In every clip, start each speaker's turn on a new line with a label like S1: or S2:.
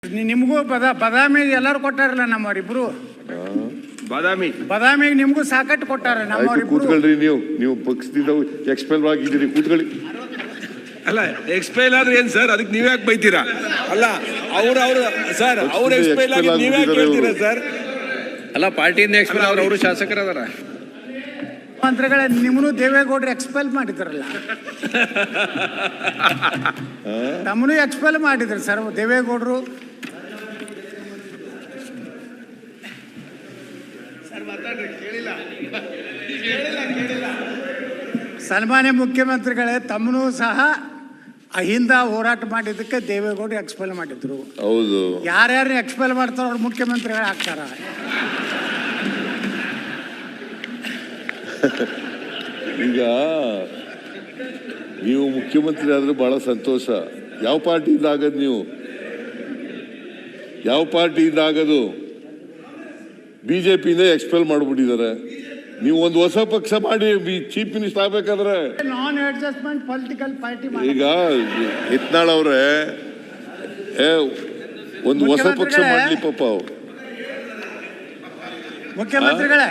S1: ನಿಮಗೂ ಬದಾಮಿ ಎಲ್ಲರೂ ಕೊಟ್ಟಾರಲ್ಲ ನಮ್ಮವರಿಬ್ರು. ಬದಾಮಿಗೆ ನಿಮಗೂ ಸಾಕಟ್ಟು ಕೊಟ್ಟಾರ ನಮ್ಮವರಿಬ್ರು.
S2: ಕೂತ್ಕೊಳ್ರಿ, ನೀವು ಪಕ್ಷದಿಂದ ಎಕ್ಸ್ಪೆಲ್ ಆಗಿದ್ದೀರಿ, ಕೂತ್ಕೊಳ್ಳಿ.
S3: ಅಲ್ಲ ಎಕ್ಸ್ಪೈಲ್ ಆದ್ರೆ ಏನ್ ಸರ್, ಅದಕ್ಕೆ ನೀವ್ ಯಾಕೆ ಬೈತೀರಾ? ಅಲ್ಲ ಅವ್ರು ಸರ್ ಅವ್ರು ಎಕ್ಸ್ಪೈಲ್ ಆಗಿ ನೀವ್ ಯಾಕೆ ಹೇಳ್ತೀರಾ ಸರ್?
S4: ಅಲ್ಲ ಪಾರ್ಟಿಯಿಂದ ಎಕ್ಸ್ಪೈಲ್ ಅವರು ಶಾಸಕರದಾರ.
S1: ಮಂತ್ರಿಗಳ ನಿಮ್ಮನ್ನು ದೇವೇಗೌಡರು ಎಕ್ಸ್ಪೆಲ್ ಮಾಡಿದ್ರಲ್ಲ, ತಮ್ಮನು ಎಕ್ಸ್ಪೆಲ್ ಮಾಡಿದ್ರು ಸರ್ ದೇವೇಗೌಡರು. ಸನ್ಮಾನ್ಯ ಮುಖ್ಯಮಂತ್ರಿಗಳೇ, ತಮ್ಮನೂ ಸಹ ಅಹಿಂದ ಹೋರಾಟ ಮಾಡಿದ್ದಕ್ಕೆ ದೇವೇಗೌಡರು ಎಕ್ಸ್ಪೆಲ್ ಮಾಡಿದ್ರು.
S2: ಹೌದು,
S1: ಯಾರ್ಯಾರು ಎಕ್ಸ್ಪೆಲ್ ಮಾಡ್ತಾರೋ ಅವ್ರು ಮುಖ್ಯಮಂತ್ರಿಗಳು ಆಗ್ತಾರ.
S2: ಈಗ ನೀವು ಮುಖ್ಯಮಂತ್ರಿ ಆದ್ರೆ ಬಹಳ ಸಂತೋಷ. ಯಾವ ಪಾರ್ಟಿಯಿಂದ ಆಗದು? ನೀವು ಯಾವ ಪಾರ್ಟಿಯಿಂದ ಆಗದು? ಬಿಜೆಪಿಯಿಂದ ಎಕ್ಸ್ಪೆಲ್ ಮಾಡ್ಬಿಟ್ಟಿದ್ದಾರೆ. ನೀವು ಒಂದು ಹೊಸ ಪಕ್ಷ ಮಾಡಿ ಚೀಫ್ ಮಿನಿಸ್ಟರ್ ಆಗ್ಬೇಕಾದ್ರೆ
S1: ನಾನ್ ಅಡ್ಜಸ್ಟ್ಮೆಂಟ್ ಪೊಲಿಟಿಕಲ್ ಪಾರ್ಟಿ. ಈಗ
S2: ಯತ್ನಾಳ್ ಅವ್ರೆ ಒಂದು ಹೊಸ ಪಕ್ಷ ಮಾಡ್ಲಿ ಪಾಪ. ಅವ್ರು
S1: ಮುಖ್ಯಮಂತ್ರಿಗಳೇ,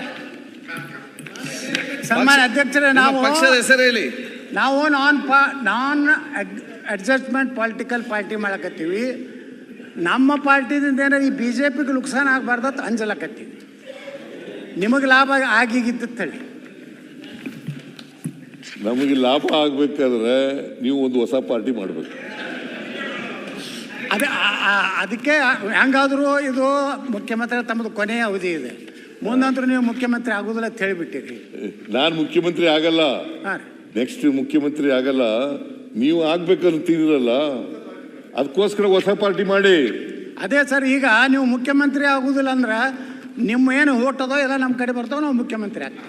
S1: ಸನ್ಮಾನ್ಯ ಅಧ್ಯಕ್ಷರೇ,
S4: ಪಕ್ಷದ ಹೆಸರು ಹೇಳಿ.
S1: ನಾವು ನಾನ್ ಅಡ್ಜಸ್ಟ್ಮೆಂಟ್ ಪೊಲಿಟಿಕಲ್ ಪಾರ್ಟಿ ಮಾಡಕತ್ತೀವಿ. ನಮ್ಮ ಪಾರ್ಟಿದಿಂದ ಏನಾರ ಈ ಬಿಜೆಪಿಗೆ ನುಕ್ಸಾನ ಆಗಬಾರ್ದು ಅಂಜಲಕತ್ತೀವಿ. ನಿಮಗೆ ಲಾಭ ಆಗಿಗಿತ್ತೇಳಿ.
S2: ನಮಗೆ ಲಾಭ ಆಗ್ಬೇಕಾದ್ರೆ ನೀವು ಒಂದು ಹೊಸ ಪಾರ್ಟಿ ಮಾಡ್ಬೇಕು.
S1: ಅದಕ್ಕೆ ಹೆಂಗಾದ್ರೂ ಇದು ಮುಖ್ಯಮಂತ್ರಿ ತಮ್ಮದು ಕೊನೆಯ ಅವಧಿ ಇದೆ, ಮುಂದಂತರೂ ನೀವು ಮುಖ್ಯಮಂತ್ರಿ ಆಗೋದಿಲ್ಲ ಅಂತ ಹೇಳಿಬಿಟ್ಟಿರಿ.
S2: ನಾನು ಮುಖ್ಯಮಂತ್ರಿ ಆಗಲ್ಲ, ನೆಕ್ಸ್ಟ್ ಮುಖ್ಯಮಂತ್ರಿ ಆಗಲ್ಲ. ನೀವು ಆಗ್ಬೇಕಂತಿರಲ್ಲ, ಅದಕ್ಕೋಸ್ಕರ ಹೊಸ ಪಾರ್ಟಿ ಮಾಡಿ.
S1: ಅದೇ ಸರ್, ಈಗ ನೀವು ಮುಖ್ಯಮಂತ್ರಿ ಆಗುದಿಲ್ಲ ಅಂದ್ರೆ ನಿಮ್ಮ ಏನು ಓಟ್ ಅದೋ ಎಲ್ಲ ನಮ್ಮ ಕಡೆ ಬರ್ತಾವ, ನಾವು ಮುಖ್ಯಮಂತ್ರಿ ಆಗ್ತೀವಿ.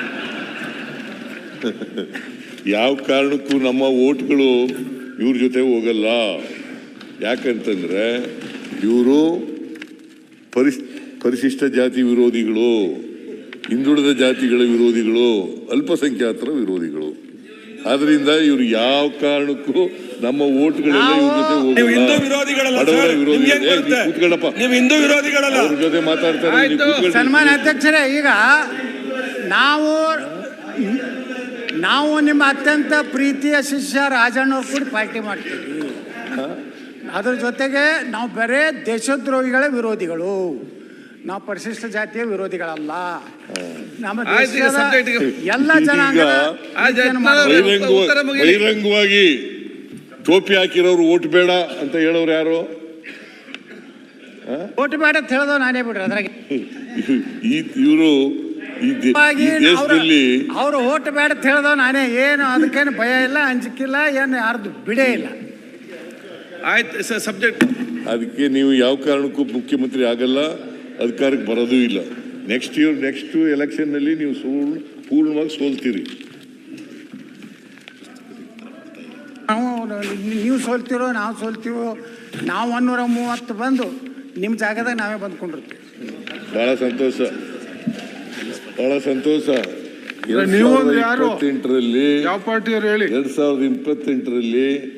S2: ಯಾವ ಕಾರಣಕ್ಕೂ ನಮ್ಮ ಓಟ್ಗಳು ಇವ್ರ ಜೊತೆ ಹೋಗಲ್ಲ. ಯಾಕಂತಂದ್ರೆ ಇವರು ಪರಿಶಿಷ್ಟ ಜಾತಿ ವಿರೋಧಿಗಳು, ಹಿಂದುಳಿದ ಜಾತಿಗಳ ವಿರೋಧಿಗಳು, ಅಲ್ಪಸಂಖ್ಯಾತರ ವಿರೋಧಿಗಳು. ಆದ್ರಿಂದ ಇವ್ರು ಯಾವ ಕಾರಣಕ್ಕೂ ನಮ್ಮ ಓಟ್ಗಳೆಲ್ಲ ಇವ್ರ ಜೊತೆ ಹೋಗಲ್ಲ. ಅವ್ರ ಜೊತೆ ಮಾತಾಡ್ತಾರೆ.
S1: ಸನ್ಮಾನ್ಯ ಅಧ್ಯಕ್ಷರೇ, ಈಗ ನಾವು ನಿಮ್ಮ ಅತ್ಯಂತ ಪ್ರೀತಿಯ ಶಿಷ್ಯ ರಾಜಣ್ಣವ್ರು ಕೂಡ ಪಾರ್ಟಿ ಮಾಡ್ತೀವಿ. ಅದ್ರ ಜೊತೆಗೆ ನಾವು ಬರೇ ದೇಶದ್ರೋಹಿಗಳ ವಿರೋಧಿಗಳು, ನಾವು ಪರಿಶಿಷ್ಟ ಜಾತಿಯ ವಿರೋಧಿಗಳಲ್ಲ. ನಮ್ಮ ಎಲ್ಲ ಜನಾಂಗದ
S2: ಬಹಿರಂಗವಾಗಿ ಟೋಪಿ ಹಾಕಿರೋರು ಓಟ್ ಬೇಡ ಅಂತ ಹೇಳೋರು ಯಾರು?
S1: ಓಟ್ ಬೇಡ ಅಂತ ಹೇಳೋದು ನಾನೇ ಬಿಡ್ರಿ. ಅದ್ರಾಗ
S2: ಇವರು ದೇಶದಲ್ಲಿ
S1: ಅವರು ಓಟ್ ಬೇಡ ಅಂತ ಹೇಳೋದು ನಾನೇ. ಏನು ಅದಕ್ಕೇನು ಭಯ ಇಲ್ಲ, ಅಂಜಿಕಿಲ್ಲ, ಏನು ಯಾರ್ದು ಬಿಡೇ ಇಲ್ಲ.
S3: ಆಯ್ತು ಸರ್, ಸಬ್ಜೆಕ್ಟ್.
S2: ಅದಕ್ಕೆ ನೀವು ಯಾವ ಕಾರಣಕ್ಕೂ ಮುಖ್ಯಮಂತ್ರಿ ಆಗಲ್ಲ, ಅಧಿಕಾರಕ್ಕೆ ಬರೋದೂ ಇಲ್ಲ. ನೆಕ್ಸ್ಟ್ ಎಲೆಕ್ಷನ್ ನಲ್ಲಿ ನೀವು ಪೂರ್ಣವಾಗಿ ಸೋಲ್ತೀರಿ.
S1: ನೀವು ಸೋಲ್ತಿರೋ ನಾವು ಸೋಲ್ತೀವೋ, ನಾವು 130 ಬಂದು ನಿಮ್ಮ ಜಾಗದಾಗ ನಾವೇ ಬಂದ್ಕೊಂಡಿರ್ತೀವಿ.
S2: ಬಹಳ ಸಂತೋಷ, ಬಹಳ ಸಂತೋಷ.
S3: 2028ರಲ್ಲಿ
S2: ಯಾವ ಪಾರ್ಟಿಯವರು ಹೇಳಿ? 2028ರಲ್ಲಿ